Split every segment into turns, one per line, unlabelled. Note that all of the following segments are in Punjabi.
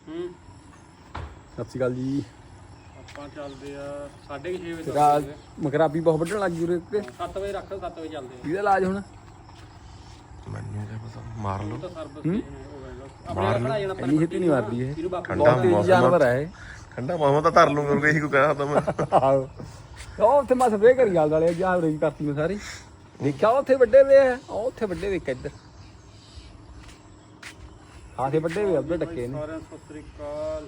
ਸਤਿ ਸ਼੍ਰੀ ਅਕਾਲ ਜੀ।
ਆਪਾਂ ਚੱਲਦੇ ਆ 6:30 ਵਜੇ
ਰਾਤ ਮਕਰਾਬੀ ਬਹੁਤ ਵੱਢਣ ਲੱਗ ਗਈ ਉਰੇ
7 ਵਜੇ ਰੱਖ 7 ਵਜੇ ਚੱਲਦੇ
ਇਹਦਾ ਇਲਾਜ ਹੁਣ
ਮੈਨੂੰ ਨਹੀਂ ਪਤਾ ਮਾਰ ਲਓ
ਆ ਤਾਂ ਸਰਵਿਸ ਆਪਣੇ ਖੜਾ ਜਾਣਾ
ਇੰਨੀ ਛੇਤੀ ਨਹੀਂ ਮਾਰਦੀ ਇਹ
ਇਹਨੂੰ ਬਾਪੂ
ਠੰਡਾ
ਬਹੁਤ ਤੇਜ਼ ਜਾਨਵਰ ਹੈ ਇਹ।
ਠੰਡਾ ਮਾਮਾ ਤਾਂ ਧਰ ਲੂੰਗਾ ਉਹਨੂੰ ਇਹੀ ਕੋ ਕਹਿਣਾ ਤਾਂ ਮੈਂ
ਆਹੋ ਉਹ ਉੱਥੇ ਮੈਂ ਸਪਰੇਅ ਕਰੀ ਗੱਲ ਵਾਲੇ ਜਾਂ ਰੇਂਜ ਕਰਤੀ ਮੈਂ ਸਾਰੀ ਦੇਖਿਆ ਉੱਥੇ ਵੱਡੇ ਵੇ ਆ ਉਹ ਉੱਥੇ ਵੱਡੇ ਵੇ ਇੱਧਰ ਆਥੇ ਵੱਡੇ ਵੇ ਉੱਧਰ ਡੱਕੇ ਨੇ
ਸਾਰਿਆਂ ਨੂੰ ਸਤਿ ਸ੍ਰੀ ਅਕਾਲ।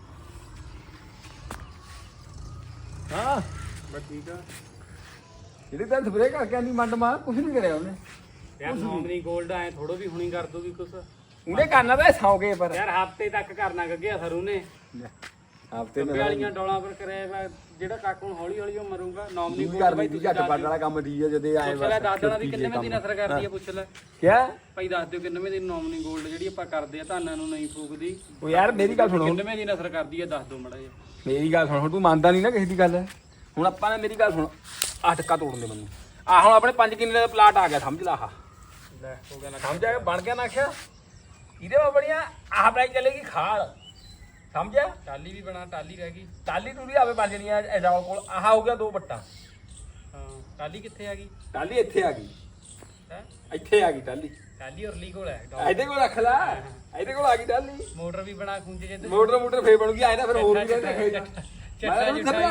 ਹਾਂ
ਬਸ ਠੀਕ ਆ
ਜਿਹੜੇ ਤਾਂ ਸਪਰੇਅ ਕਰਕੇ ਆਂਦੀ ਮੰਡ ਮਾਰ ਕੁਝ ਨਹੀਂ ਕਰਿਆ ਉਹਨੇ
ਯਾਰ ਨੋਮਨੀ ਗੋਲਡ ਐ ਥੋੜੋ ਵੀ ਹੁਣੀ ਕਰ ਦੂਗੀ ਕੁਛ
ਉਹਨੇ ਕਰਨਾ ਤਾਂ ਸੌ ਗਏ ਪਰ
ਯਾਰ ਹਫਤੇ ਤੱਕ ਕਰਨਾ ਗੱਗਿਆ ਸਰੂ ਨੇ
ਹਫਤੇ
ਗੱਗੇ ਵਾਲੀਆਂ ਡੋਲਾਂ ਪਰ ਕਰਿਆ ਵਾ ਜਿਹੜਾ ਕੱਕ ਹੁਣ ਹੌਲੀ ਹੌਲੀ ਉਹ ਮਰੂਗਾ ਨੋਮਨੀ
ਵੀ ਕਰਨੀ ਦੀ ਝੱਟ ਪੱਟ ਵਾਲਾ ਕੰਮ ਠੀਕ ਹੈ ਜਦੇ ਆਏ
ਪੁੱਛ ਲੈ ਦੱਸ ਦੇਣਾ ਵੀ ਕਿੰਨੇ ਦੀ ਨਸਰ ਕਰਦੀ ਆ ਪੁੱਛ ਲੈ
ਕਿਆ
ਭਾਈ ਦੱਸ ਦਿਓ ਕਿੰਨੇ ਦੀ ਨੋਮਨੀ ਗੋਲਡ ਜਿਹੜੀ ਆਪਾਂ ਕਰਦੇ ਆ ਧਾਨਾਂ ਨੂੰ ਨਹੀਂ ਫੂਕਦੀ
ਉਹ ਯਾਰ ਮੇਰੀ ਗੱਲ ਸੁਣੋ
ਕਿੰਨੇ ਦੀ ਨਸਰ ਕਰਦੀ ਆ ਦੱਸ ਦਿਓ ਮੜਾ ਜੀ
ਮੇਰੀ ਗੱਲ ਸੁਣ ਹੁਣ ਤੂੰ ਮੰਨਦਾ ਨਹੀਂ ਨਾ ਕਿਸੇ ਦੀ ਗੱਲ ਹੁਣ ਆਪਾਂ ਨੇ ਮੇਰੀ ਗੱਲ ਸੁਣ ਆਹ ਟੱਕਾ ਤੋੜਨ ਦੇ ਮੈਨੂੰ ਆ ਹੁਣ ਆਪਣੇ 5 ਕਿੱਲੇ ਦਾ ਪਲਾਟ ਆ ਗਿਆ ਸਮਝ ਲਾ ਆਹ
ਲੈ ਹੋ ਗਿਆ ਨਾ
ਸਮਝ ਆ ਗਿਆ ਬਣ ਗਿਆ ਨਾ ਆਖਿਆ ਇਹਦੇ ਵਾ ਬੜੀਆਂ ਆਹ ਬਣਾਈ ਚੱਲੇਗੀ ਖਾਲ ਸਮਝਿਆ
ਟਾਲੀ ਵੀ ਬਣਾ ਟਾਲੀ ਰਹਿ ਗਈ
ਟਾਲੀ ਟੂਲੀ ਆਵੇ ਬਣ ਜਣੀ ਆ ਐਡਾਲ ਕੋਲ ਆਹ ਹੋ ਗਿਆ 2 ਬੱਟਾ
ਹਾਂ ਟਾਲੀ ਕਿੱਥੇ ਆ ਗਈ
ਟਾਲੀ ਇੱਥੇ ਆ ਗਈ
ਹੈ
ਇੱਥੇ ਆ ਗਈ ਟਾਲੀ
ਟਾਲੀ ਔਰਲੀ ਕੋਲ ਹੈ
ਇਹਦੇ ਕੋਲ ਰੱਖ ਲੈ ਇਹਦੇ ਕੋਲ ਆ ਗਈ ਟਾਲੀ
ਮੋਟਰ ਵੀ ਬਣਾ ਖੁੰਝੇ ਜੇ
ਮੋਟਰ ਫੇਰ ਬਣੂਗੀ ਆਏ ਨਾ ਫਿਰ ਹੋਰ ਵੀ ਕਹਿੰਦੇ
ਚੱਟਾ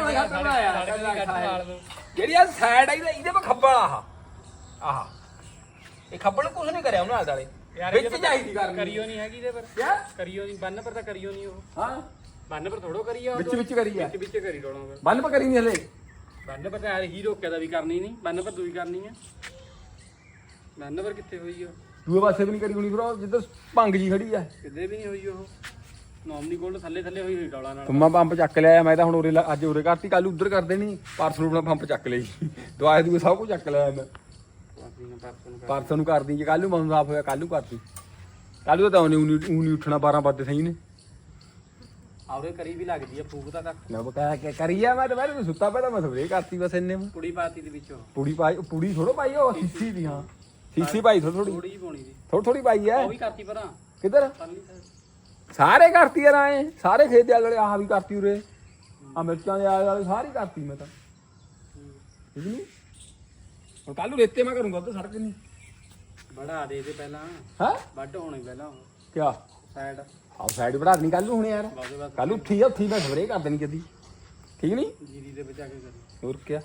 ਜਿਹੜੀ ਆ ਸਾਈਡ ਆ ਇਹਦੇ ਪਾ ਖੱਬਲ ਆਹ ਇਹ ਖੱਬਲ ਕੁਝ ਨਹੀਂ ਕਰਿਆ ਉਹਨਾਂ ਆਲੇ ਵਿੱਚ ਚਾਹੀਦੀ ਕਰਨੀ
ਕਰੀਓ ਨਹੀਂ ਹੈਗੀ ਇਹਦੇ ਪਰ
ਕਿਆ
ਕਰੀਓ ਨਹੀਂ ਬੰਨ ਪਰ ਤਾਂ ਕਰੀਓ ਨਹੀਂ ਉਹ
ਹਾਂ
ਬੰਨ ਪਰ ਥੋੜੋ ਕਰੀ ਆ
ਵਿੱਚ ਕਰੀ ਆ
ਵਿੱਚ ਕਰੀ ਡੋਣਾ ਫਿਰ
ਬੰਨ ਪਾ ਕਰੀ ਨਹੀਂ ਹਲੇ
ਬੰਨ ਪਰ ਤਾਂ ਹੀ ਰੋਕਿਆ ਦਾ ਵੀ ਕਰਨੀ ਨਹੀਂ ਬੰਨ ਪਰ ਦੂਈ ਕਰਨੀ ਆ ਬੰਨ ਪਰ ਕਿੱਥੇ ਹੋਈ ਉਹ
ਦੂਏ ਪਾਸੇ ਵੀ ਨਹੀਂ ਕਰੀ ਹੋਣੀ ਫਿਰ ਉਹ ਜਿੱਧਰ ਭੰਗ ਜੀ ਖੜੀ ਆ
ਕਿਤੇ ਵੀ ਨਹੀਂ ਹੋਈ ਉਹ ਨੋਮਨੀ ਗੋਲਡ ਥੱਲੇ ਥੱਲੇ ਹੋਈ ਹੋਈ ਡੋਲਾ ਨਾਲ
ਤੁਮਾ ਪੰਪ ਚੱਕ ਲਿਆ ਮੈਂ ਤਾਂ ਹੁਣ ਉਰੇ ਅੱਜ ਉਰੇ ਕਰਤੀ ਕੱਲ ਉਧਰ ਕਰ ਦੇਣੀ ਪਰਸੋਂ ਆਪਣਾ ਪੰਪ ਚੱਕ ਲਈ ਦਵਾਈ ਦੂਏ ਸਭ ਕੁਝ ਚੱਕ ਲਿਆ ਮੈਂ ਪਰਸੋਂ ਨੂੰ ਕਰਦੀ ਜੇ ਕੱਲ ਨੂੰ ਮਨ ਸਾਫ ਹੋਇਆ ਕੱਲ ਨੂੰ ਕਰਦੀ ਕੱਲ ਨੂੰ ਤਾਂ ਉਹਨੇ ਨਹੀਂ ਉੱਠਣਾ 12 ਵਜੇ ਸਹੀ ਨੇ
ਆਉਰੇ ਕਰੀ ਵੀ ਲੱਗਦੀ ਆ ਫੂਕ ਤਾਂ ਤੱਕ
ਮੈਂ ਕਹਿ ਕੇ ਕਰੀ ਆ ਮੈਂ ਤਾਂ ਮੈਂ ਸੁੱਤਾ ਪਿਆ ਤਾਂ ਮੈਂ ਸਵੇਰੇ ਕਰਤੀ ਬਸ ਇੰਨੇ ਮੈਂ
ਕੁੜੀ ਪਾਤੀ ਦੇ ਵਿੱਚੋਂ
ਪੂੜੀ ਥੋੜੋ ਪਾਈ ਉਹ ਸੀਸੀ ਦੀ ਹਾਂ ਸੀਸੀ ਪਾਈ ਥੋੜੀ
ਥੋੜੀ ਜਿਹੀ ਪਾਉਣੀ ਦੀ
ਥੋੜੀ ਪਾਈ ਐ
ਉਹ ਵੀ ਕਰਤੀ ਪਰਾਂ
ਕਿੱਧਰ
ਪਰਲੀ side।
ਸਾਰੇ ਕਰਤੀ ਯਾਰ ਆਏ ਸਾਰੇ ਖੇਤ ਦੇ ਆਲੇ ਆਹ ਵੀ ਕਰਤੀ ਉਰੇ ਆ ਮਿਰਚਾਂ ਦੇ ਆਲੇ ਵਾਲੇ ਸਾਰੀ ਕਰਤੀ ਮੈਂ ਤਾਂ ਠੀਕ ਨਹੀਂ ਹੁਣ ਕੱਲ ਨੂੰ ਰੇਤੇ ਮੈਂ ਕਰੂੰਗਾ ਤੇ ਸੜਕ ਨਹੀਂ
ਬੜਾ ਦੇ ਪਹਿਲਾਂ
ਹੈ
ਵੱਢ ਹੋਣੇ ਪਹਿਲਾਂ
ਕਿਆ
ਸਾਈਡ
ਆਹ ਸਾਈਡ ਬਣਾ ਦੇਣੀ ਕੱਲ ਨੂੰ ਹੁਣ ਯਾਰ
ਬਾਗੇ ਬਾਗ
ਕੱਲ ਉੱਠੀ ਆ ਉੱਥੀ ਮੈਂ ਸਵੇਰੇ ਕਰ ਦੇਣੀ ਕਦੀ ਠੀਕ ਨਹੀਂ
ਜੀਰੀ ਦੇ ਬਚਾ ਕੇ ਕਰੀ
ਹੋਰ ਕਿਆ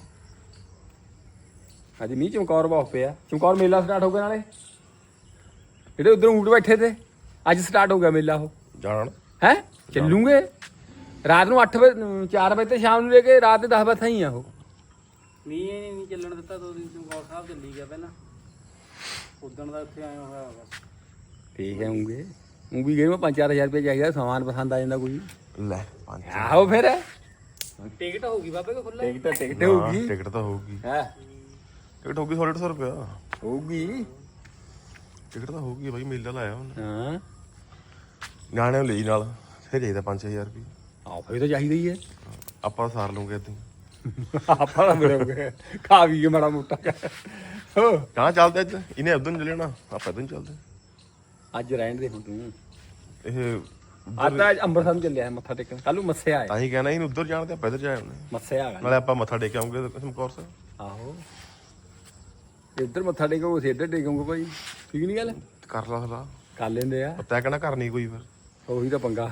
ਅੱਜ ਮੀਂਹ ਚਮਕੌਰ ਬਹੁਤ ਪਿਆ ਚਮਕੌਰ ਮੇਲਾ ਸਟਾਰਟ ਹੋ ਗਿਆ ਨਾਲੇ ਜਿਹੜੇ ਉਧਰ ਊਂਟ ਬੈਠੇ ਤੇ ਅੱਜ ਸਟਾਰਟ ਹੋ ਗਿਆ ਮੇਲਾ ਉਹ
ਜਾਣ
ਹੈ ਚੱਲੂਗੇ ਰਾਤ ਨੂੰ 8 ਵਜੇ 4 ਵਜੇ ਤੇ ਸ਼ਾਮ ਨੂੰ ਲੈ ਕੇ ਰਾਤ ਦੇ 10 ਵਜੇ ਤਾਈਂ ਆ ਉਹ
ਮੀਂਹ ਨਹੀਂ ਚੱਲਣ ਦਿੱਤਾ 2 ਦਿਨ ਚਮਕੌਰ ਸਾਹਿਬ ਚੱਲੀ ਗਿਆ ਪਹਿਲਾਂ ਉਦਣ ਦਾ ਉੱਥੇ ਆਇਆ ਹੋਇਆ ਬਸ
ਠੀਕ ਹੈ ਹੋਊਗੇ ਉਹ ਵੀ ਗਏ ਮੈਂ 5-4 ਹਜ਼ਾਰ ਰੁਪਏ ਚਾਹੀਦਾ ਸਮਾਨ ਪਸੰਦ ਆ ਜਾਂਦਾ ਕੋਈ
ਲੈ 5
ਆਹੋ ਫਿਰ
ਟਿਕਟ ਹੋਊਗੀ ਬਾਬੇ ਕੋ ਖੁੱਲਾ
ਟਿਕਟ ਹੋਊਗੀ
ਟਿਕਟ ਤਾਂ ਹੋਊਗੀ
ਹੈ
ਟਿਕਟ ਹੋਊਗੀ 150 ਰੁਪਇਆ
ਹੋਊਗੀ
ਟਿਕਟ ਤਾਂ ਹੋਊਗੀ ਬਾਈ ਮੇਲਾ ਲਾਇਆ ਉਹਨੇ
ਹਾਂ
ਨਿਆਣੇ ਨੂੰ ਲਈ ਨਾਲ ਫਿਰ ਚਾਹੀਦਾ 5000 ਰੁਪਏ
ਆਹ ਫਿਰ ਤਾਂ ਚਾਹੀਦਾ ਹੀ ਹੈ
ਆਪਾਂ ਸਾਰ ਲਵਾਂਗੇ ਇਦਾਂ
ਆਪਾਂ ਤਾਂ ਮੇਰੇ ਖਾ ਵੀ ਕੇ ਮਾੜਾ ਮੋਟਾ ਹੋ
ਕਹਾਂ ਚੱਲਦੇ ਅੱਜ ਇਹਨੇ ਉਦੋਂ ਨਹੀਂ ਲੈਣਾ ਆਪਾਂ ਇਦਾਂ ਚੱਲਦੇ
ਅੱਜ ਰਹਿਣ ਦੇ ਹੁਣ ਤੂੰ
ਇਹ
ਅੱਜ ਅੰਮ੍ਰਿਤਸਰ ਨੂੰ ਚੱਲਿਆ ਮੱਥਾ ਟੇਕਣ ਕੱਲ ਨੂੰ ਮੱਸਿਆ
ਤਾਂ ਹੀ ਕਹਿਣਾ ਇਹਨੂੰ ਉੱਧਰ ਜਾਣ ਤੇ ਆਪਾਂ ਇੱਧਰ ਜਾਏ ਉਹਨੇ
ਮੱਸਿਆ ਆ
ਨਾਲੇ ਆਪਾਂ ਮੱਥਾ ਟੇਕ ਆਉਂਗੇ ਚਮਕੌਰ ਸਾਹਿਬ
ਆਹੋ ਇੱਧਰ ਮੱਥਾ ਟੇਕੋ ਅਸੀਂ ਇੱਧਰ ਟੇਕੂਗੇ ਭਾਈ ਠੀਕ ਨਹੀਂ ਗੱਲ
ਕਰ ਲਾ ਸਲਾਹ
ਕਰ ਲੈਂਦੇ ਆ
ਪਤਾ ਕਹਿਣਾ ਕਰਨੀ ਕੋਈ ਫਿਰ
ਉਹੀ ਤਾਂ ਪੰਗਾ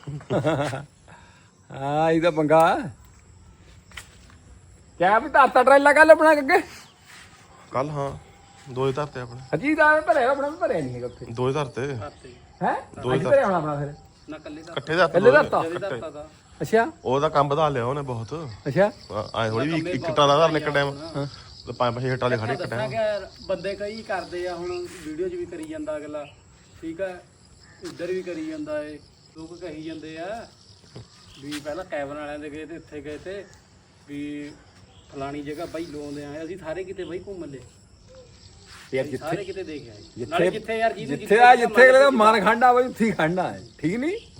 ਹਾਂ ਇਹ ਤਾਂ ਪੰਗਾ ਕਿਆ ਵੀ ਤਾਤਾ ਟਰੇਲਾ ਕੱਲ ਆਪਣਾ ਅੱਗੇ
ਕੱਲ ਹਾਂ 2 ਧਰਤੇ ਆਪਣੇ
ਅਜੀ ਦਾ ਭਰਿਆ ਆਪਣਾ ਵੀ ਭਰਿਆ ਨਹੀਂ ਹੈਗਾ ਉੱਥੇ
2 ਧਰਤੇ
ਕਰਤੇ
ਹੈ ਅੱਜ ਭਰਿਆ ਹੋਣਾ ਆਪਣਾ ਫਿਰ
ਨਾ ਕੱਲੇ ਦਾ
ਇਕੱਠੇ ਧਰਤੇ
ਕੱਲੇ ਧਰਤਾ
ਜਦੇ ਧਰਤਾ ਦਾ
ਅੱਛਾ
ਉਹਦਾ ਕੰਮ ਵਧਾ ਲਿਆ ਉਹਨੇ ਬਹੁਤ
ਅੱਛਾ
ਆਏ ਥੋੜੀ ਵੀ ਇੱਕ ਟਾਲਾ ਧਰਨ ਇੱਕ ਟਾਈਮ ਤੇ 5-6 ਟਾਲੇ ਖੜੇ ਇੱਕ
ਦੱਸਾਂ
ਟਾਈਮ
ਕਿ ਯਾਰ ਬੰਦੇ ਕਈ ਕਰਦੇ ਆ ਹੁਣ ਵੀਡੀਓ 'ਚ ਵੀ ਕਰੀ ਜਾਂਦਾ ਅਗਲਾ ਠੀਕ ਆ ਇੱਧਰ ਵੀ ਕਰੀ ਜਾਂਦਾ ਏ ਲੋਕ ਕਹੀ ਜਾਂਦੇ ਆ ਵੀ ਪਹਿਲਾਂ ਕੈਬਨ ਵਾਲਿਆਂ ਦੇ ਗਏ ਤੇ ਇੱਥੇ ਗਏ ਤੇ ਵੀ ਫਲਾਣੀ ਜਗ੍ਹਾ ਬਾਈ ਲੋਂਦੇ ਆਏ ਅਸੀਂ ਸਾਰੇ ਕਿਤੇ ਬਾਈ ਘੁੰਮ ਲਏ
ਯਾਰ
ਸਾਰੇ ਕਿਤੇ ਦੇਖ ਆਏ ਨਾਲੇ ਜਿੱਥੇ ਯਾਰ ਜਿਹਨੂੰ
ਜਿੱਥੇ ਆ ਜਿੱਥੇ ਅਗਲੇ ਦਾ ਮਨ ਖੰਡਾ ਬਈ ਉੱਥੇ ਹੀ ਖੰਡਾ ਹੈ ਠੀਕ ਨਹੀਂ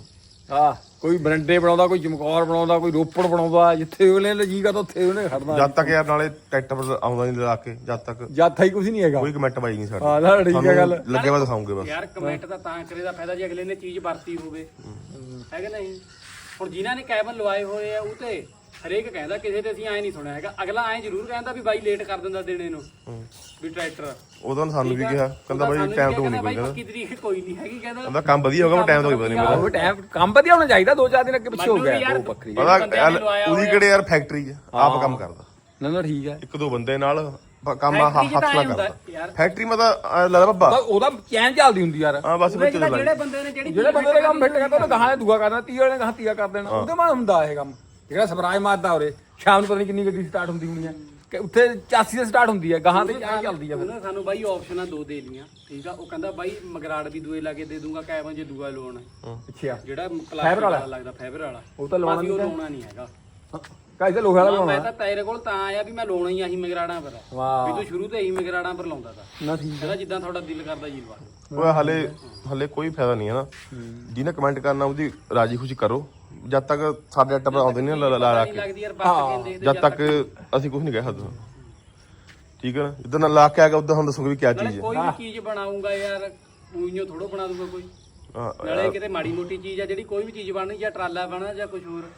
ਹਾਂ ਕੋਈ ਬਰੰਡੇ ਬਣਾਉਂਦਾ, ਕੋਈ ਚਮਕੌਰ ਬਣਾਉਂਦਾ, ਕੋਈ ਰੋਪੜ ਬਣਾਉਂਦਾ, ਜਿੱਥੇ ਉਹਨੇ ਜੀਗਾ ਤਾਂ ਉੱਥੇ ਉਹਨੇ ਖੜਨਾ।
ਜਦ ਤੱਕ ਯਾਰ ਨਾਲੇ ਟਰੈਕਟਰ ਆਉਂਦਾ ਨਹੀਂ ਲਾ ਕੇ, ਜਦ ਤੱਕ
ਜਾਥਾ ਹੀ ਕੁਝ ਨਹੀਂ ਹੈਗਾ।
ਕੋਈ ਕਮੈਂਟ ਬਾਈ ਨਹੀਂ ਸਾਡੀ।
ਹਾਂ ਨਾ ਠੀਕ ਹੈ ਗੱਲ।
ਲੱਗੇ ਵਾ ਦਿਖਾਉਂਗੇ ਬਸ
ਯਾਰ ਕਮੈਂਟ ਤਾਂ ਕਰੇ ਦਾ ਫਾਇਦਾ ਜੇ ਅਗਲੇ ਨੇ ਚੀਜ਼ ਵਰਤੀ ਹੋਵੇ, ਹੈ ਕਿ ਨਹੀਂ। ਹੁਣ ਜਿਨ੍ਹਾਂ ਨੇ ਕੈਬਨ ਲਵਾਏ ਹੋਏ ਆ ਉਹ ਤੇ ਹਰੇਕ ਕਹਿੰਦਾ, ਕਿਸੇ ਤੇ ਅਸੀਂ ਐ ਨਹੀਂ ਸੁਣਿਆ ਹੈਗਾ। ਅਗਲਾ ਐ ਜ਼ਰੂਰ ਕਹਿੰਦਾ ਵੀ ਬਾਈ ਲੇਟ ਕਰ ਦਿੰਦਾ ਦੇਣੇ ਨੂੰ ਵੀ ਟਰੈਕਟਰ।
ਉਹਦਾ ਸਾਨੂੰ ਵੀ ਕਿਹਾ, ਕਹਿੰਦਾ ਬਾਈ ਟਾਈਮ ਤੋਂ ਨਹੀਂ ਕੋਈ,
ਪੱਕੀ ਤਰੀਕ ਕੋਈ ਨਹੀਂ ਹੈਗੀ,
ਕਹਿੰਦਾ ਕੰਮ ਵਧੀਆ ਹੋਗਾ, ਟਾਈਮ ਤੋਂ ਪਤਾ ਨਹੀਂ ਮੇਰਾ।
ਉਹ ਟਾਈਮ ਕੰਮ ਵਧੀਆ ਹੋਣਾ ਚਾਹੀਦਾ, 2-4 ਦਿਨ ਅੱਗੇ ਪਿੱਛੇ ਹੋ ਗਿਆ ਉਹ ਬੱਕਰੀ।
ਪਤਾ ਉਹਦੀ ਕਿਹੜੇ ਯਾਰ ਫੈਕਟਰੀ 'ਚ ਆਪ ਕੰਮ ਕਰਦਾ।
ਨਾ ਠੀਕ ਹੈ।
1-2 ਬੰਦੇ ਨਾਲ ਕੰਮ ਹੱਥ ਨਾਲ ਕਰਦਾ।
ਯਾਰ
ਫੈਕਟਰੀ ਮਾ ਤਾਂ ਲੱਗਦਾ ਬੱਬਾ
ਉਹਦਾ ਚੈਨ ਚੱਲਦੀ ਹੁੰਦੀ ਯਾਰ।
ਹਾਂ ਬਸ ਵਿੱਚ
ਜਿਹੜੇ ਬੰਦੇ ਨੇ
ਜਿਹੜੇ ਬੰਦੇ ਦਾ ਕੰਮ ਫਿੱਟ ਕਰਦਾ ਉਹਨੇ ਗਾਹਾਂ ਦੂਆ ਕਰਨਾ, 30 ਵਾਲੇ ਨੇ ਗਾਹਾਂ ਤੀਆ ਕਰ ਦੇਣਾ। ਉਹਦੇ ਮਾ ਹੁੰਦਾ ਇਹ ਕੰਮ। ਜਿਹੜਾ ਸਪਰਾਜ ਮਾਰਦਾ ਉਰੇ ਸ਼ਾਮ ਨੂੰ ਪਤਾ ਨਹੀਂ ਕਿੰਨੀ ਗੱਡੀ ਸਟਾਰਟ ਹੁੰਦੀ ਹੋਣੀ ਹੈ ਕਿ ਉੱਥੇ 84 ਤੇ ਸਟਾਰਟ ਹੁੰਦੀ ਹੈ, ਗਾਹਾਂ ਤੇ ਚਾਹ ਚੱਲਦੀ ਆ। ਫਿਰ
ਉਹਨੇ ਸਾਨੂੰ ਬਾਈ ਆਪਸ਼ਨਾਂ 2 ਦੇ ਲੀਆਂ, ਠੀਕ ਆ। ਉਹ ਕਹਿੰਦਾ ਬਾਈ ਮਗਰਾੜ ਵੀ ਦੂਏ ਲਾ ਕੇ ਦੇ ਦੂੰਗਾ ਕੈਬਨ ਜੇ ਦੂਆ ਲਵਾਉਣਾ।
ਅੱਛਾ
ਜਿਹੜਾ ਪਲਾਸਟਿਕ ਵਾਲਾ ਲੱਗਦਾ ਫਾਈਬਰ ਵਾਲਾ,
ਉਹ ਤਾਂ
ਅਸੀਂ ਉਹ ਲਾਉਣਾ ਨਹੀਂ ਹੈਗਾ।
ਕਾਇਦਾ ਲੋਹਾ ਵਾਲਾ
ਮੈਂ
ਲਾਉਣਾ।
ਤਾਂ ਤੇਰੇ ਕੋਲ ਤਾਂ ਆਇਆ ਵੀ ਮੈਂ ਲਾਉਣਾ ਹੀ ਆਹੀ ਮਗਰਾੜਾਂ ਪਰ ਵੀ ਤੂੰ ਸ਼ੁਰੂ ਤੋਂ ਇਹੀ ਮਗਰਾੜਾਂ ਪਰ ਲਾਉਂਦਾ ਤਾ।
ਨਾ ਠੀਕ
ਕਹਿੰਦਾ ਜਿੱਦਾਂ ਤੁਹਾਡਾ ਦਿਲ ਕਰਦਾ ਜੀ ਲਵਾ।
ਓਏ ਹਲੇ ਕੋਈ ਫਾਇਦਾ ਨਹੀਂ ਹੈ ਨਾ। ਜਿਹਨੇ ਕਮੈਂਟ ਕਰਨਾ ਉਹਦੀ ਰਾਜੀ ਖੁਸ਼ੀ ਕਰੋ। ਜਦ ਤੱਕ ਸਾਡੇ ਅੱਟ ਪਰ ਆਉਂਦੇ ਨਹੀਂ ਲਾ ਕੇ,
ਲੱਗਦੀ ਯਾਰ ਬਾਤ ਕਹਿੰਦੇ
ਜਦ ਤੱਕ ਅਸੀਂ ਕੁਝ ਨਹੀਂ ਕਹਿ ਸਕਦੇ। ਠੀਕ ਹੈ ਨਾ, ਜਿੱਦਾਂ ਨਾਲ ਲਾ ਕੇ ਆ ਗਿਆ ਉਦਾਂ ਹੁਣ ਦੱਸੋਗੇ ਵੀ ਕੀ ਚੀਜ਼ ਹੈ।
ਕੋਈ ਵੀ ਚੀਜ਼ ਬਣਾਉਂਗਾ ਯਾਰ ਉਈਓ ਥੋੜੋ ਬਣਾ ਦੂਗਾ ਕੋਈ। ਨਾਲੇ ਕਿਤੇ ਮਾੜੀ ਮੋਟੀ ਚੀਜ਼ ਆ ਜਿਹੜੀ ਕੋਈ ਵੀ ਚੀਜ਼ ਬਣਨੀ, ਜਾਂ ਟਰਾਲਾ ਬਣਾ ਜਾਂ ਕੁਝ ਹੋਰ।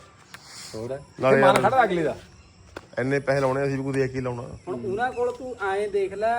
ਨਾਲੇ ਮਨ ਖੜਾ ਅਗਲੇ ਦਾ।
ਇੰਨੇ ਪੈਸੇ ਲਾਉਣੇ, ਅਸੀਂ ਵੀ ਕੋਈ ਦੇਖ ਕੇ ਲਾਉਣਾ।
ਹੁਣ ਉਹਨਾਂ ਕੋਲ ਤੂੰ ਐਂ ਦੇਖ ਲੈ,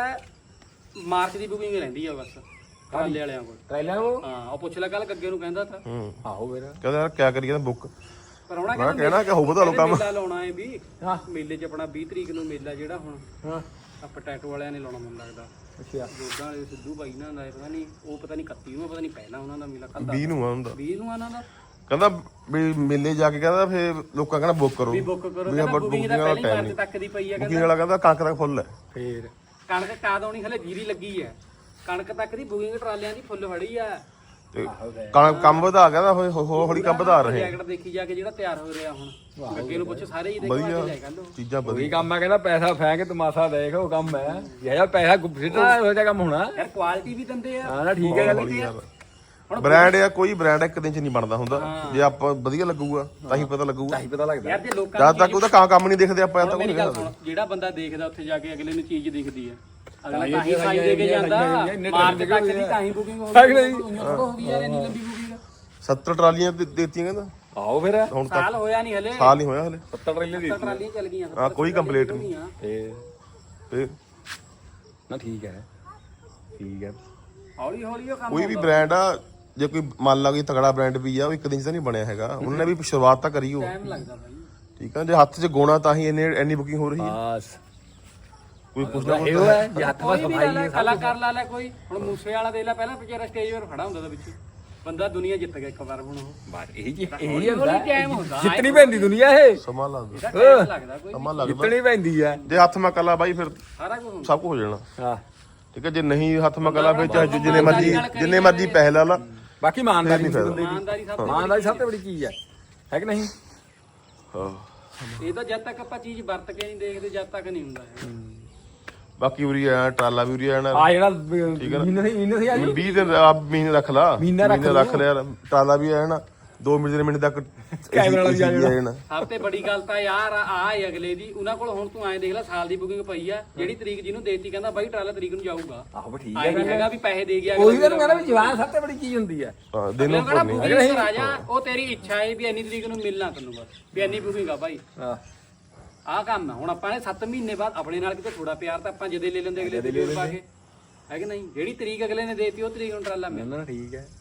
ਮਾਰਚ ਦੀ ਬੁਕਿੰਗ ਰਹਿੰਦੀ ਆ ਬਸ ਟਰਾਲੇ ਵਾਲਿਆਂ ਕੋਲ।
ਟ੍ਰੇਲਰ ਉਹ
ਹਾਂ ਉਹ ਪੁੱਛ ਲੈ, ਕੱਲ ਗੱਗੇ ਨੂੰ ਕਹਿੰਦਾ ਤਾ।
ਆਹੋ ਫਿਰ
ਕਹਿੰਦਾ ਯਾਰ ਕਿਆ ਕਰੀਏ ਨਾ ਬੁੱਕ।
ਪਰ ਹੁਣ
ਮੈਂ ਕਹਿਣਾ ਕਿ ਹੋ ਵਧਾ ਲਓ ਕੰਮ।
ਮੇਲਾ ਲਾਉਣਾ ਹੈ ਵੀ
ਹਾਂ
ਮੇਲੇ 'ਚ ਆਪਣਾ 20 ਤਰੀਕ ਨੂੰ ਮੇਲਾ ਜਿਹੜਾ ਹੁਣ
ਹਾਂ
ਆਪਾਂ ਟੈਟੂ ਵਾਲਿਆਂ ਨੇ ਲਾਉਣਾ ਮੈਨੂੰ ਲੱਗਦਾ।
ਅੱਛਾ
ਜੋਦਾਂ ਵਾਲੇ ਸਿੱਧੂ ਬਾਈ ਨਾਲ ਦਾ ਪਤਾ ਨਹੀਂ, ਉਹ ਪਤਾ ਨਹੀਂ 31 ਨੂੰ ਪਤਾ ਨਹੀਂ ਪਹਿਲਾਂ ਉਹਨਾਂ ਦਾ ਮੇਲਾ ਕੱਲ੍ਹ
20 ਨੂੰ ਆ ਹੁੰਦਾ।
20 ਨੂੰ ਇਹਨਾਂ ਦਾ
ਕਹਿੰਦਾ ਵੀ ਮੇਲੇ ਜਾ ਕੇ ਕਹਿੰਦਾ ਫੇਰ ਲੋਕਾਂ ਕਹਿੰਦਾ ਬੁੱਕ ਕਰੋ।
ਵੀ ਬੁੱਕ ਕਰੋ,
ਵੀ
ਕਹਿੰਦਾ
ਆਪਾਂ
ਬੁਕਿੰਗ ਦਾ
ਵਾਲਾ
ਪਹਿਲੀ
ਟਾਈਮ
ਮਾਰਚ
ਨਹੀਂ।
ਤੱਕ ਦੀ ਪਈ ਆ।
ਬੁਕਿੰਗ ਵਾਲਾ ਕਹਿੰਦਾ ਕਣਕ ਤੱਕ ਫੁੱਲ ਹੈ।
ਫੇਰ
ਕਣਕ ਕਾਦ ਆਉਣੀ ਹਲੇ ਜੀਰੀ ਲੱਗੀ ਹੈ, ਕਣਕ ਤੱਕ ਦੀ ਬੁਕਿੰਗ ਟਰਾਲਿਆਂ ਦੀ ਫੁੱਲ ਫੜੀ ਆ।
ਤੇ ਕੰਮ ਵਧਾ ਕਹਿੰਦਾ ਹੌਲੀ ਕੰਮ ਵਧਾ ਰਹੇ।
ਜੈਕਟ ਦੇਖੀ ਜਾ ਕੇ ਜਿਹੜਾ ਤਿਆਰ ਹੋ ਰਿਹਾ ਹੁਣ, ਅੱਗੇ ਨੂੰ ਪੁੱਛ ਸਾਰੇ ਹੀ ਦੇਖੋ ਆ ਕੇ ਜਾਏ ਕੱਲ।
ਚੀਜ਼ਾਂ
ਉਹੀ
ਵਧੀਆ।
ਕੰਮ ਆ, ਕਹਿੰਦਾ ਪੈਸਾ ਫੈਂਕ ਤਮਾਸ਼ਾ ਦੇਖ, ਉਹ ਕੰਮ ਹੈ ਜਿਹੜਾ ਪੈਸਾ ਗੁੱਫਿੱਟਾ ਇਹੋ ਜਿਹਾ ਕੰਮ ਹੋਣਾ।
ਯਾਰ ਕੁਆਲਿਟੀ ਵੀ ਦਿੰਦੇ ਆ।
ਹਾਂ ਨਾ ਠੀਕ ਹੈ ਗੱਲ।
ਹੌਲੀ ਯਾਰ ਬ੍ਰਾਂਡ ਆ, ਕੋਈ ਬ੍ਰਾਂਡ ਇੱਕ ਦਿਨ ਚ ਨਹੀਂ ਬਣਦਾ ਹੁੰਦਾ। ਜੇ ਆਪਾਂ ਵਧੀਆ ਲੱਗੂਗਾ ਤਾਂ ਹੀ ਪਤਾ ਲੱਗੂਗਾ।
ਤਾਂ ਹੀ ਪਤਾ ਲੱਗਦਾ।
ਯਾਰ ਜੇ ਲੋਕਾਂ
ਜਦ ਤੱਕ ਉਹਦਾ ਕੰਮ ਨਹੀਂ ਦੇਖਦੇ ਆਪਾਂ ਤਾਂ
ਮੇਰੀ ਗੱਲ ਸੁਣ, ਜਿਹੜਾ ਬੰਦਾ ਦੇਖਦਾ ਉੱਥੇ ਜਾ ਕੇ ਅਗਲੇ ਨੂੰ ਚੀਜ਼ ਦਿਖਦੀ ਆ, ਅਗਲਾ ਤਾਂ ਹੀ ਸਾਈ ਦੇ ਕੇ ਜਾਂਦਾ। ਮਾਰਚ ਤੱਕ ਦੀ ਤਾਂ ਹੀ ਬੁਕਿੰਗ ਹੋ ਗਈ ਯਾਰ, ਇੰਨੀ ਲੰਬੀ ਬੁਕਿੰਗ।
70 ਟਰਾਲੀਆਂ ਦੇਤੀਆਂ ਕਹਿੰਦਾ।
ਆਓ ਫਿਰ
ਹੁਣ ਤੱਕ
ਸਾਲ ਹੋਇਆ ਨਹੀਂ ਹਲੇ,
ਸਾਲ ਨਹੀਂ ਹੋਇਆ ਹਲੇ।
70 ਟ੍ਰੇਲੇ ਦੀ
ਟਰਾਲੀਆਂ ਚੱਲ ਗਈਆਂ।
ਹਾਂ ਕੋਈ ਕੰਪਲੀਟ ਨਹੀਂ। ਤੇ
ਨਾ ਠੀਕ ਹੈ ਠੀਕ ਹੈ।
ਹੌਲੀ ਹੌਲੀ ਉਹ ਕੰਮ
ਕੋਈ ਵੀ ਬ੍ਰਾਂਡ ਆ, ਜੇ ਕੋਈ ਮੰਨ ਲਾ ਕੋਈ ਤਗੜਾ ਬ੍ਰਾਂਡ ਵੀ ਆ, ਉਹ ਇੱਕ ਦਿਨ ਚ ਤਾਂ ਨਹੀਂ ਬਣਿਆ ਹੈਗਾ। ਉਹਨਾਂ ਨੇ ਵੀ ਸ਼ੁਰੂਆਤ ਤਾਂ ਕਰੀ ਹੋ।
ਟਾਈਮ ਲੱਗਦਾ ਬਾਈ।
ਠੀਕ ਆ, ਜੇ ਹੱਥ 'ਚ ਗੋਣਾ ਤਾਂ ਹੀ ਇੰਨੀ ਬੁਕਿੰਗ ਹੋ ਰਹੀ ਹੈ।
ਬਸ
ਕੋਈ ਪੁੱਛਦਾ
ਇਹ ਉਹ ਹੈ ਜੇ ਹੱਥ
ਕੋਈ
ਵਿੱਚ
ਵੀ
ਸਫਾਈ
ਲੈ ਕਲਾਕਾਰ ਲਾ ਲੈ ਕੋਈ। ਹੁਣ ਮੂਸੇ ਵਾਲਾ ਦੇ ਲੈ, ਪਹਿਲਾਂ ਵਿਚਾਰਾ ਸਟੇਜ 'ਤੇ ਖੜਾ ਹੁੰਦਾ ਤਾਂ ਵਿੱਚ ਬੰਦਾ ਦੁਨੀਆ ਜਿੱਤ ਗਿਆ ਇੱਕ ਵਾਰ। ਹੁਣ ਉਹ
ਬਾਤ ਇਹ ਹੁੰਦਾ
ਟਾਈਮ ਹੁੰਦਾ,
ਜਿੱਤਣੀ ਪੈਂਦੀ ਦੁਨੀਆ ਇਹ
ਸਮਾਂ ਲੱਗਦਾ।
ਇਹਦਾ ਟਾਈਮ ਲੱਗਦਾ ਕੋਈ
ਸਮਾਂ ਲੱਗਦਾ।
ਜਿੱਤਣੀ ਪੈਂਦੀ ਹੈ।
ਜੇ ਹੱਥ ਮਾ ਕਲਾ ਬਾਈ ਫਿਰ
ਸਾਰਾ ਕੁਝ ਹੁੰਦਾ।
ਸਭ ਕੁਝ ਹੋ ਜਾਣਾ।
ਹਾਂ
ਠੀਕ ਹੈ, ਜੇ ਨਹੀਂ ਹੱਥ ਮਾ ਕਲਾ ਫਿਰ ਚਾਹੇ ਜਿੰਨੇ ਮਰਜੀ ਪੈਸੇ ਲਾ ਲਾ।
ਬਾਕੀ ਇਮਾਨਦਾਰੀ
ਨਹੀਂ ਫਾਇਦਾ।
ਬੰਦੇ ਦੀ।
ਇਮਾਨਦਾਰੀ ਸਭ ਤੋਂ
ਇਮਾਨਦਾਰੀ ਸਭ ਤੋਂ ਬੜੀ ਚੀਜ਼ ਹੈ ਕਿ ਨਹੀਂ।
ਹਾਂ
ਇਹ ਤਾਂ ਜਦ ਤੱਕ ਆਪਾਂ ਚੀਜ਼ ਵਰਤ ਕੇ ਨਹੀਂ ਦੇਖਦੇ, ਜਦ ਤੱਕ ਨਹੀਂ ਹੁੰਦਾ ਇਹ।
ਬਾਕੀ ਉਰੀ ਆ ਟਰਾਲਾ ਵੀ ਉਰੀ ਆਣਾ।
ਆ ਜਿਹੜਾ ਮਹੀਨੇ ਸੀ ਆ ਜੀ
20 ਦਿਨ ਆ ਮਹੀਨੇ ਰੱਖ ਲਾ।
ਮਹੀਨਾ ਰੱਖ
ਲਿਆ ਯਾਰ। ਟਰਾਲਾ ਵੀ ਆਣਾ 2 ਮਿੰਟ ਤੱਕ
ਕੈਮਰਾ ਵਾਲਾ ਵੀ ਆ ਜਾਣਾ।
ਸਭ ਤੋਂ ਬੜੀ ਗੱਲ ਤਾਂ ਯਾਰ ਆ ਹੈ ਅਗਲੇ ਦੀ। ਉਹਨਾਂ ਕੋਲ ਹੁਣ ਤੂੰ ਐਂ ਦੇਖ ਲੈ, ਸਾਲ ਦੀ ਬੁਕਿੰਗ ਪਈ ਆ। ਜਿਹੜੀ ਤਰੀਕ ਜਿਹਨੂੰ ਦੇਤੀ ਕਹਿੰਦਾ ਬਾਈ ਟਰਾਲਾ ਤਰੀਕ ਨੂੰ ਜਾਊਗਾ।
ਆਹੋ ਠੀਕ
ਆਏ ਨਹੀਂ ਹੈਗਾ ਵੀ ਪੈਸੇ ਦੇ ਗਿਆ।
ਉਹੀ ਤਾਂ ਕਹਿੰਦਾ ਵੀ ਜਵਾਨ ਸਭ ਤੋਂ ਬੜੀ ਚੀਜ਼ ਹੁੰਦੀ ਹੈ।
ਹਾਂ ਦਿਨ ਨੂੰ
ਕਹਿੰਦਾ ਬੁਕਿੰਗ ਰਾਜਾ, ਉਹ ਤੇਰੀ ਇੱਛਾ ਹੈ ਵੀ ਇੰਨੀ ਤਰੀਕ ਨੂੰ ਮਿਲਣਾ ਤੈਨੂੰ, ਬਸ ਵੀ ਇੰਨੀ ਬੁਕਿੰਗ ਆ ਭਾਈ।
ਹਾਂ
ਆਹ ਕੰਮ ਹੈ। ਹੁਣ ਆਪਾਂ ਨੇ 7 ਮਹੀਨੇ ਬਾਅਦ ਆਪਣੇ ਨਾਲ ਕਿਤੇ ਥੋੜਾ ਪਿਆਰ ਤਾਂ ਆਪਾਂ ਜਦੇ ਲੈ ਲੈਂਦੇ ਅਗਲੇ ਦੇ ਪਾ ਕੇ, ਹੈ ਕਿ ਨਹੀਂ। ਜਿਹੜੀ ਤਰੀਕ ਅਗਲੇ ਨੇ ਦੇਤੀ ਉਹ ਤਰੀਕ ਨੂੰ ਟਰਾਲਾ ਮਿਲਣਾ।
ਨਾ ਠੀਕ ਹੈ।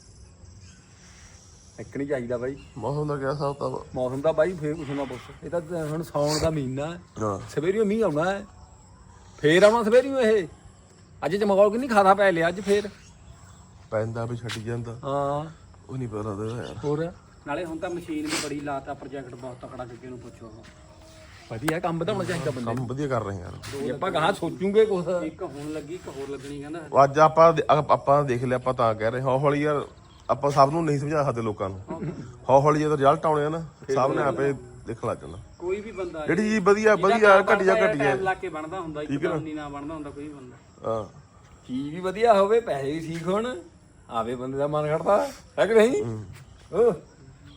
ਇੱਕ ਨਹੀਂ ਚਾਹੀਦਾ ਬਾਈ।
ਮੌਸਮ ਦਾ ਕਿਆ ਹਿਸਾਬ ਤਾਂ
ਮੌਸਮ ਦਾ ਬਾਈ ਫੇਰ ਕੁਛ ਨਾ ਪੁੱਛ। ਇਹ ਤਾਂ ਹੁਣ ਸਾਉਣ ਦਾ ਮਹੀਨਾ ਹੈ।
ਹਾਂ
ਸਵੇਰੀਓ ਮੀਂਹ ਆਉਣਾ ਹੈ, ਫੇਰ ਆਉਣਾ ਸਵੇਰੀਓ। ਇਹ ਅੱਜ ਚਮਕੌਰ ਕਿੰਨੀ ਖਾਦਾ ਪੈ ਲਿਆ ਅੱਜ ਫੇਰ।
ਪੈਂਦਾ ਵੀ ਛੱਡ ਜਾਂਦਾ।
ਹਾਂ
ਉਹ ਨਹੀਂ ਪਤਾ ਲੱਗਦਾ ਯਾਰ।
ਹੋਰ
ਨਾਲੇ ਹੁਣ ਤਾਂ ਮਸ਼ੀਨ ਵੀ ਬੜੀ ਲਾਤਾ, ਪ੍ਰੋਜੈਕਟ ਬਹੁਤ ਤਕੜਾ ਅੱਗੇ ਨੂੰ ਪੁੱਛੋ।
ਵਧੀਆ ਕੰਮ ਵਧਾਉਣਾ ਚਾਹੀਦਾ ਬੰਦੇ
ਕੰਮ ਵਧੀਆ ਕਰ ਰਹੇ ਯਾਰ।
ਨੂੰ। ਜੇ ਆਪਾਂ ਗਾਹਾਂ ਸੋਚੂਗੇ ਕੁਛ।
ਇੱਕ ਹੁਣ ਲੱਗੀ, ਇੱਕ ਹੋਰ ਲੱਗਣੀ ਕਹਿੰਦਾ।
ਅੱਜ ਆਪਾਂ ਦੇਖ ਲਿਆ, ਆਪਾਂ ਤਾਂ ਕਹਿ ਰਹੇ ਹੌਲੀ ਯਾਰ। ਆਪਾਂ ਸਭ ਨੂੰ ਨਹੀਂ ਸਮਝਾ ਸਕਦੇ ਲੋਕਾਂ ਨੂੰ। ਹੌਲੀ ਜਦੋਂ ਰਿਜ਼ਲਟ ਆਉਣੇ ਆ ਨਾ, ਸਭ ਨੇ ਆਪੇ ਦੇਖਣ ਲੱਗ ਜਾਣਾ।
ਕੋਈ ਵੀ ਬੰਦਾ
ਜਿਹੜੀ ਚੀਜ਼ ਵਧੀਆ ਘਟੀਆ
ਟਾਈਮ ਲਾ ਕੇ ਬਣਦਾ ਹੁੰਦਾ, ਇੱਕ ਤਾਂ ਨਹੀਂ ਨਾ ਬਣਦਾ ਹੁੰਦਾ ਕੋਈ ਬੰਦਾ।
ਹਾਂ
ਚੀਜ਼ ਵੀ ਵਧੀਆ ਹੋਵੇ, ਪੈਸੇ ਵੀ ਠੀਕ ਹੋਣ, ਆਵੇ ਬੰਦੇ ਦਾ ਮਨ ਖੜਦਾ ਹੈ ਕਿ ਨਹੀਂ।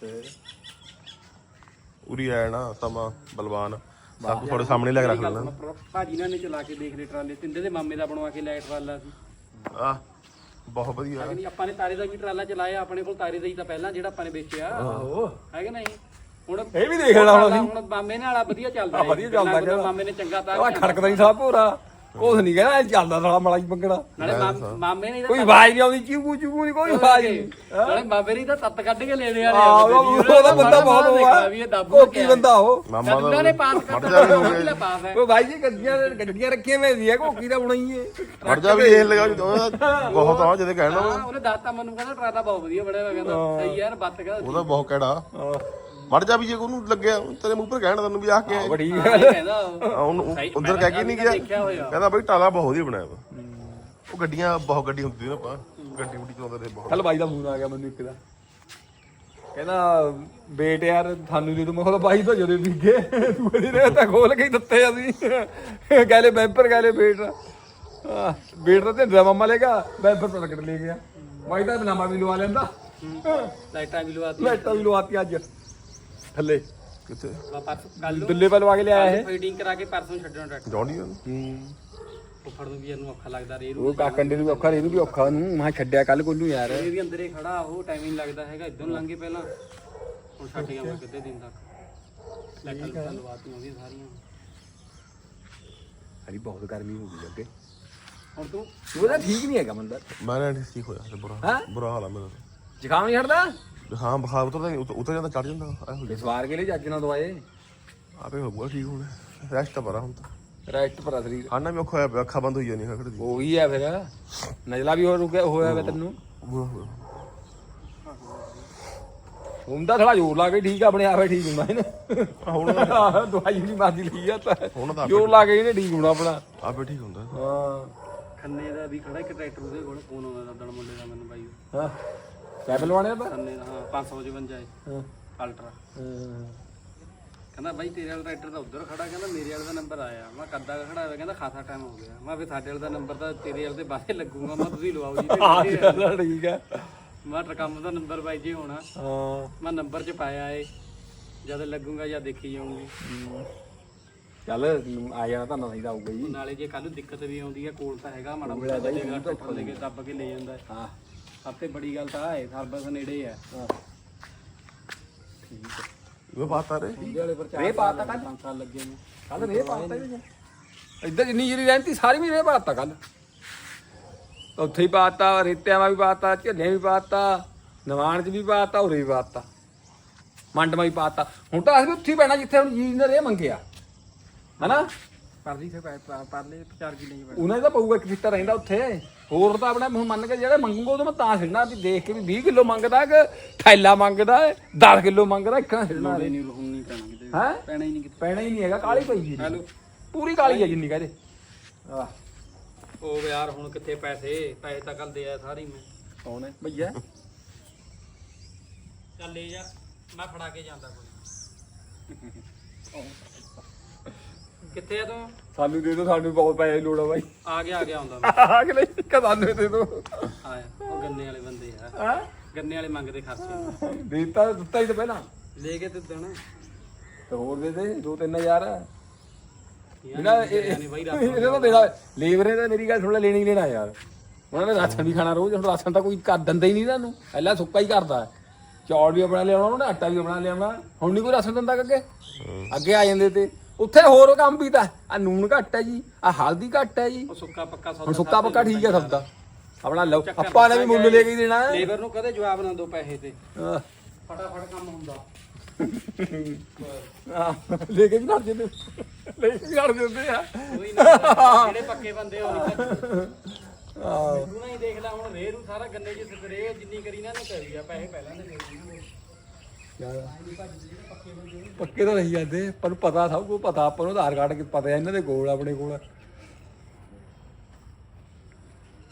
ਉਰੀ ਆਇਆ ਨਾ ਸਮਾਂ ਬਲਵਾਨ ਸਭ ਕੁਝ ਤੁਹਾਡੇ ਸਾਹਮਣੇ ਲੈ ਕੇ ਰੱਖ ਲੈਣਾ
ਭਾਜੀ ਨਾਲ ਨੇ ਚਲਾ ਕੇ ਦੇਖ ਲਏ ਟਰਾਲੇ ਤਿੰਦੇ ਦੇ ਮਾਮੇ ਦਾ ਬਣਵਾ ਕੇ ਲਿਆ ਟਰਾਲਾ ਸੀ
ਆ ਬਹੁਤ ਵਧੀਆ
ਨਹੀਂ ਆਪਾਂ ਨੇ ਤਾਰੇ ਦਾ ਵੀ ਟਰਾਲਾ ਚਲਾਇਆ ਆਪਣੇ ਕੋਲ ਤਾਰੇ ਦਾ ਹੀ ਤਾਂ ਪਹਿਲਾਂ ਜਿਹੜਾ ਆਪਾਂ ਨੇ ਵੇਚਿਆ ਆਹੋ ਹੈ ਕਿ ਨਹੀਂ ਹੁਣ
ਇਹ ਵੀ ਦੇਖ ਲੈਣਾ
ਹੁਣ ਮਾਮੇ ਨਾਲ ਵਾਲਾ ਵਧੀਆ ਚੱਲਦਾ
ਵਧੀਆ ਚੱਲਦਾ
ਮਾਮੇ ਨੇ ਚੰਗਾ ਤਾਂ
ਉਹ ਖੜਕਦਾ ਨਹੀਂ ਸਾਹ ਭੋਰਾ ਕੁਛ ਨਹੀਂ ਕਹਿੰਦਾ ਚੱਲਦਾ ਸਾਲਾ ਮਲਾ ਹੀ ਪੰਗੜਾ
ਨਾਲੇ ਮਾਮੇ ਨੇ
ਕੋਈ ਆਵਾਜ਼ ਨਹੀਂ ਆਉਂਦੀ ਚੀਕੂ ਚੀਕੂ ਨਹੀਂ ਕੋਈ ਆਵਾਜ਼ ਨਹੀਂ
ਨਾਲੇ ਮਾਮੇ ਨੇ ਤਾਂ ਤੱਤ ਕੱਢ ਕੇ ਲੈਣੇ
ਉਹਦਾ ਬੰਦਾ ਬਹੁਤ ਹੋਆ ਕੋਕੀ ਬੰਦਾ ਉਹ
ਮਾਮਾ
ਉਹਨਾਂ ਨੇ ਪਾਸ
ਮੜ ਜਾ ਵੀ ਹੋ
ਕਰਤਾ
ਗਏ
ਪਾਸ ਹੈ
ਉਹ ਭਾਈ ਜੀ ਗੱਡੀਆਂ ਰੱਖੀਆਂ ਮੈਂ ਦੀ ਕੋਕੀ ਦਾ ਬਣਾਈ ਏ
ਮੜ ਜਾ ਵੀ ਇਹ ਲਗਾ ਬਹੁਤ ਆ ਜਿਹਦੇ ਕਹਿਣਾ
ਉਹਨੇ ਦੱਸਤਾ ਮੈਨੂੰ ਕਹਿੰਦਾ ਟਰਾਲਾ ਬਹੁਤ ਵਧੀਆ ਬਣਿਆ ਹੋਇਆ ਕਹਿੰਦਾ ਸਹੀ ਯਾਰ ਬੱਤ ਕਹਿੰਦਾ
ਉਹਦਾ ਬਹੁਤ ਕਿਹੜਾ ਮੜ ਜਾ ਵੀ ਜੇ ਉਹਨੂੰ ਲੱਗਿਆ ਤੇਰੇ ਮੂੰਹ ਪਰ ਕਹਿਣਾ ਤੈਨੂੰ ਵੀ ਆ ਕੇ
ਬੜੀ
ਕਹਿੰਦਾ
ਉਹਨੂੰ ਉਧਰ ਕਹਿ ਕੇ ਨਹੀਂ ਗਿਆ ਕਹਿੰਦਾ ਬਈ ਟਾਲਾ ਬਹੁਤ ਵਧੀਆ ਬਣਾਇਆ ਵਾ ਉਹ ਗੱਡੀਆਂ ਬਹੁਤ ਗੱਡੀ ਹੁੰਦੀ ਨਾ ਆਪਾਂ ਗੱਡੀ ਗੁੱਡੀ ਚਲਾਉਂਦੇ ਰਹੇ ਬਹੁਤ
ਕੱਲ ਬਾਈ ਦਾ ਫੋਨ ਆ ਗਿਆ ਮੈਨੂੰ ਇੱਕ ਦਾ ਕਹਿੰਦਾ ਬੇਟ ਯਾਰ ਤੁਹਾਨੂੰ ਦੇ ਦੂੰ ਮੈਂ ਕਿਹਾ ਬਾਈ ਤਾਂ ਜਦੋਂ ਵਿਗੇ ਤੂੰ ਇਹਦੀ ਰਹਿ ਤਾਂ ਖੋਲ ਕੇ ਹੀ ਦਿੱਤੇ ਅਸੀਂ ਕਹਿੰਦੇ ਬੈਂਪਰ ਕਹਿੰਦੇ ਬੇਟ ਤਾਂ ਢਿੰਡਾ ਮਾਮਾ ਲੇਗਾ ਬੈਂਪਰ ਪ੍ਰਗਟ ਲੈ ਗਿਆ ਬਾਈ ਦਾ ਨਾਮਾ ਵੀ ਲਵਾ ਲੈਂਦਾ
ਲਾਈਟਾਂ ਵੀ ਲਵਾਤੀ
ਲਾਈਟਾਂ ਵੀ ਲਵਾਤੀ ਅੱਜ ਥੱਲੇ
ਕਿੱਥੇ
ਕੱਲ ਨੂੰ
ਦਿੱਲੇ ਲਵਾ ਕੇ ਲਿਆਇਆ ਇਹ
ਫੀਡਿੰਗ ਕਰਾ ਕੇ ਪਰਸੋਂ ਛੱਡਣਾ ਟਰੈਕਟਰ
ਜੌਂਡੀ
ਫੁੱਫੜ ਨੂੰ ਵੀ ਇਹਨੂੰ ਔਖਾ ਲੱਗਦਾ ਰੇ
ਉਹ ਕਾਕੰਡੇ ਨੂੰ ਵੀ ਔਖਾ ਇਹਨੂੰ ਵੀ ਔਖਾ ਨੂੰ ਮੈਂ ਛੱਡਿਆ ਕੱਲ ਕੋਲੂ ਯਾਰ
ਇਹ ਵੀ ਅੰਦਰੇ ਖੜਾ ਉਹ ਟਾਈਮ ਨਹੀਂ ਲੱਗਦਾ ਹੈਗਾ ਇਦੋਂ ਲੰਘੇ ਪਹਿਲਾਂ ਹੁਣ ਛੱਡ ਗਿਆ ਮੈਂ ਕਿੱਦੇ ਦਿਨ ਤੱਕ ਲਾਈਟਾਂ ਲਵਾਤੀਆਂ ਉਹਦੀਆਂ ਸਾਰੀਆਂ
ਹਰੀ ਬਹੁਤ ਗਰਮੀ ਹੋ ਗਈ ਅੱਗੇ
ਹੁਣ ਤੂੰ
ਉਹਦਾ ਠੀਕ ਨਹੀਂ ਹੈਗਾ ਬੰਦਾ
ਮੈਂ ਨਾ ਠੀਕ ਹੋਇਆ ਤੇ ਬੁਰਾ ਹਾਲ ਆ ਮੇਰਾ
ਜ਼ੁਕਾਮ ਨਹੀਂ ਹਟਦਾ
ਹਾਂ ਬੁਖਾਰ ਉਤਰ ਜਾਂਦਾ ਚੜ ਜਾਂਦਾ ਇਹੋ
ਇਸ ਵਾਰ ਕੇ ਲਈ ਜੱਜ ਨਾਲ ਦਵਾਏ
ਆਪੇ ਹੋਊਗਾ ਠੀਕ ਹੁਣ ਰੈਸਟ ਪਰਾ ਹੁਣ ਤਾਂ
ਰੈਸਟ ਪਰ ਸਰੀਰ
ਖਾਣਾ ਵੀ ਔਖਾ ਹੋਇਆ ਪਿਆ ਅੱਖਾਂ ਬੰਦ ਹੋਈ ਜਾਂਦੀਆਂ ਖੜਦੀ
ਉਹੀ ਹੈ ਫਿਰ ਨਜ਼ਲਾ ਵੀ ਹੋ ਰੁਕਿਆ ਹੋਇਆ ਵੇ ਤੈਨੂੰ ਹੁੰਦਾ ਥੋੜਾ ਜ਼ੋਰ ਲਾ ਕੇ ਠੀਕ ਆਪਣੇ ਆਪੇ ਠੀਕ ਹੁੰਦਾ ਇਹਨੇ
ਹੁਣ
ਦਵਾਈ ਨਹੀਂ ਮਾਰਦੀ ਲਈ ਆ ਤਾਂ
ਹੁਣ ਤਾਂ
ਜ਼ੋਰ ਲਾ ਕੇ ਇਹਨੇ ਠੀਕ ਹੋਣਾ ਆਪਣਾ
ਆਪੇ ਠੀਕ ਹੁੰਦਾ
ਹਾਂ
ਖੰਨੇ ਦਾ ਵੀ ਖੜਾ ਇੱਕ ਟਰੈਕਟਰ ਉਹਦੇ ਕੋਲ ਫੋਨ ਆਉਂਦਾ ਦਣ ਮੁੰਡੇ ਦਾ ਮੈਨੂੰ ਬਾਈ
ਹਾਂ ਕੈਬਲ ਵਾਣਿਆ ਤਾਂ
ਖੰਨੇ ਦਾ ਹਾਂ 555 ਹੈ
ਹਾਂ
ਅਲਟਰਾ ਕਹਿੰਦਾ ਬਾਈ ਤੇਰੇ ਵਾਲਾ ਟਰੈਕਟਰ ਤਾਂ ਉੱਧਰ ਖੜਾ ਕਹਿੰਦਾ ਮੇਰੇ ਵਾਲੇ ਦਾ ਨੰਬਰ ਆਇਆ ਮੈਂ ਕੱਦਾ ਖੜਾ ਹੋਇਆ ਕਹਿੰਦਾ ਖਾਸਾ ਟਾਈਮ ਹੋ ਗਿਆ ਮੈਂ ਫਿਰ ਸਾਡੇ ਵਾਲੇ ਦਾ ਨੰਬਰ ਤਾਂ ਤੇਰੇ ਵਾਲੇ ਦੇ ਬਾਹਰ ਲੱਗੂਗਾ ਮੈਂ ਤੁਸੀਂ ਲਵਾਓ ਜੀ
ਠੀਕ ਹੈ
ਮੈਂ ਟਰਕਮ ਦਾ ਨੰਬਰ ਬਾਈ ਜੀ ਹੋਣਾ
ਹਾਂ
ਮੈਂ ਨੰਬਰ ਚ ਪਾਇਆ ਏ ਜਦ ਲੱਗੂਗਾ ਜਾਂ ਦੇਖੀ ਜਾਊਂਗੀ
ਚੱਲ ਆ ਜਾਣਾ ਤਾਂ ਨਹੀਂ ਆਊਗਾ ਜੀ
ਨਾਲੇ ਜੇ ਕੱਲ ਨੂੰ ਦਿੱਕਤ ਵੀ ਆਉਂਦੀ ਹੈ ਕੋਲ ਤਾਂ ਹੈਗਾ ਮਾੜਾ ਮੋਟਾ ਜਗ੍ਹਾ ਟਰੈਕਟਰ ਲੈ ਕੇ ਦੱਬ ਕੇ ਲੈ ਜਾਂਦਾ
ਹਾਂ
ਸਭ ਤੋਂ ਬੜੀ ਗੱਲ ਤਾਂ ਹੈ ਸਰਵਿਸ ਨੇੜੇ ਹੈ
ਠੀਕ ਹੈ
ਉਹ ਬਾਤ ਆ ਰੇ
ਵਾਲੇ ਪਰ
ਰੇ ਪਾਤਾ ਕੱਲ
5 ਸਾਲ ਲੱਗੇ ਨੇ
ਕੱਲ ਰੇ ਪਾਤਾ ਇੱਧਰ ਜਿੰਨੀ ਜਿਹੜੀ ਰਹਿੰਦੀ ਸਾਰੀ ਵੀ ਰੇ ਪਾਤਾ ਕੱਲ ਉੱਥੇ ਹੀ ਪਾਤਾ ਰੇਤਿਆਂ ਵੀ ਪਾਤਾ ਝੱਲਿਆਂ ਵੀ ਪਾਤਾ ਨਵਾਨ ਚ ਵੀ ਪਾਤਾ ਉਰੇ ਵੀ ਪਾਤਾ ਮੰਡ ਵੀ ਪਾਤਾ ਹੁਣ ਤਾਂ ਅਸੀਂ ਉੱਥੇ ਹੀ ਪੈਣਾ ਜਿੱਥੇ ਹੁਣ ਜੀ ਨੇ ਰੇ ਮੰਗਿਆ ਹਨਾ
ਪਰਲੀ ਸੇ ਪਰਲੇ 4 ਕਿਲੇ ਹੀ
ਉਹਨਾਂ ਦਾ ਪਊਗਾ ਇੱਕ ਫਿੱਟਾ ਰਹਿੰਦਾ ਉੱਥੇ ਹੋਰ ਤਾਂ ਆਪਣਾ ਹੁਣ ਮੰਨ ਕੇ ਜਿਹੜੇ ਮੰਗੂਗਾ ਉਹ ਤਾਂ ਮੈਂ ਤਾਂ ਛੱਡਣਾ ਵੀ ਦੇਖ ਕੇ ਵੀ 20 ਕਿਲੋ ਮੰਗਦਾ ਕਿ ਥੈਲਾ ਮੰਗਦਾ 10 ਕਿਲੋ ਮੰਗਦਾ ਇੱਕ ਨਾ ਛੱਡਣਾ
ਨਹੀਂ ਹੁਣ ਨਹੀਂ ਪੈਣਾ ਕਿਤੇ
ਹੈ
ਪੈਣਾ ਹੀ ਨਹੀਂ ਕਿਤੇ
ਪੈਣਾ ਹੀ ਨਹੀਂ ਹੈਗਾ ਕਾਲੀ ਪਈ ਜੀ ਪੂਰੀ ਕਾਲੀ ਹੈ ਜਿੰਨੀ ਕਹਦੇ ਆਹ
ਉਹ ਯਾਰ ਹੁਣ ਕਿੱਥੇ ਪੈਸੇ ਤਾਂ ਕੱਲ ਦੇ ਆ ਸਾਰੀ ਮੈਂ
ਕੌਣ ਹੈ ਭਈਆ
ਚੱਲ ਲੈ ਜਾ ਮੈਂ ਫੜਾ ਕੇ ਜਾਂਦਾ ਕੋਈ ਕਿੱਥੇ ਆ ਤੂੰ
ਸਾਨੂੰ ਦੇ ਦੋ ਸਾਨੂੰ ਬਹੁਤ ਪੈਸੇ ਦੀ ਲੋੜ ਆ ਬਾਈ
ਆ ਗਿਆ ਆਉਂਦਾ ਮੈਂ
ਆ ਕੇ ਨਹੀਂ ਕਦਾਨੇ ਦੇ ਦੋ
ਆਇਆ ਉਹ ਗੰਨੇ ਵਾਲੇ ਬੰਦੇ ਆ
ਹਾਂ
ਗੰਨੇ ਵਾਲੇ ਮੰਗਦੇ ਖਰਚੇ
ਦਿੱਤਾ ਹੀ ਤਾਂ ਪਹਿਲਾਂ
ਲੈ ਕੇ ਤੇ ਦੇਣਾ
ਤੇ ਹੋਰ ਦੇ ਦੇ 2-3000
ਇਹਨਾਂ ਨੇ ਬਾਈ ਰਾਤ
ਇਹਨੇ ਤਾਂ ਦੇਣਾ ਲੇਬਰੇ ਤਾਂ ਮੇਰੀ ਗੱਲ ਸੁਣ ਲੈ ਲੈਣੀ ਹੀ ਲੈਣਾ ਯਾਰ ਉਹਨਾਂ ਨੇ ਰਾਸ਼ਨ ਵੀ ਖਾਣਾ ਰੋਜ਼ ਹੁਣ ਰਾਸ਼ਨ ਤਾਂ ਕੋਈ ਕਰ ਦਿੰਦਾ ਹੀ ਨਹੀਂ ਤੁਹਾਨੂੰ ਪਹਿਲਾਂ ਸੁੱਕਾ ਹੀ ਕਰਦਾ ਚੌਲ ਵੀ ਆਪਣਾ ਲਿਆਉਣਾ ਉਹਨੇ ਆਟਾ ਵੀ ਆਪਣਾ ਲਿਆਉਣਾ ਹੁਣ ਨਹੀਂ ਕੋਈ ਰਾਸ਼ਨ ਦਿੰਦਾ ਅੱਗੇ ਅੱਗੇ ਆ ਜਾਂਦੇ ਤੇ ਉੱਥੇ ਹੋਰ ਕੰਮ ਵੀ ਤਾਂ ਆ ਨੂਣ ਘੱਟ ਹੈ ਜੀ ਆ ਹਲਦੀ ਘੱਟ ਹੈ ਜੀ
ਉਹ ਸੁੱਕਾ ਪੱਕਾ
ਹੁਣ ਸੁੱਕਾ ਪੱਕਾ ਠੀਕ ਹੈ ਸਭ ਦਾ ਆਪਣਾ ਲਓ ਆਪਾਂ ਨੇ ਵੀ ਮੁੱਲ ਲੈ ਕੇ ਹੀ ਦੇਣਾ
ਲੇਬਰ ਨੂੰ ਕਦੇ ਜਵਾਬ ਨਾ ਦੋ ਪੈਸੇ ਤੇ
ਆਹ,
ਫਟਾਫਟ ਕੰਮ ਹੁੰਦਾ
ਲੈ ਕੇ ਵੀ ਲੜ ਜਾਂਦੇ ਲੈ ਕੇ ਵੀ ਲੜ ਜਾਂਦੇ ਆ
ਕੋਈ ਨਾ ਜਿਹੜੇ ਪੱਕੇ ਬੰਦੇ ਉਹ ਨਹੀਂ ਤੂੰ ਨਾ ਹੀ ਦੇਖ ਲੈ ਹੁਣ ਰੇਹ ਨੂੰ ਸਾਰਾ ਗੰਨੇ 'ਚ ਸਪਰੇ ਜਿੰਨੀ ਕਰੀ ਨਾ ਨੇ ਕਰੀ ਆ ਪੈਸੇ ਪਹਿਲਾਂ ਦੇ
ਪੱਕੇ ਤਾਂ ਰਹੀ ਜਾਂਦੇ ਪਰ ਪਤਾ ਸਭ ਕੁਝ ਪਤਾ ਆਪਾਂ ਨੂੰ ਆਧਾਰ ਕਾਰਡ ਪਤਾ ਇਹਨਾਂ ਦੇ ਕੋਲ ਆਪਣੇ ਕੋਲ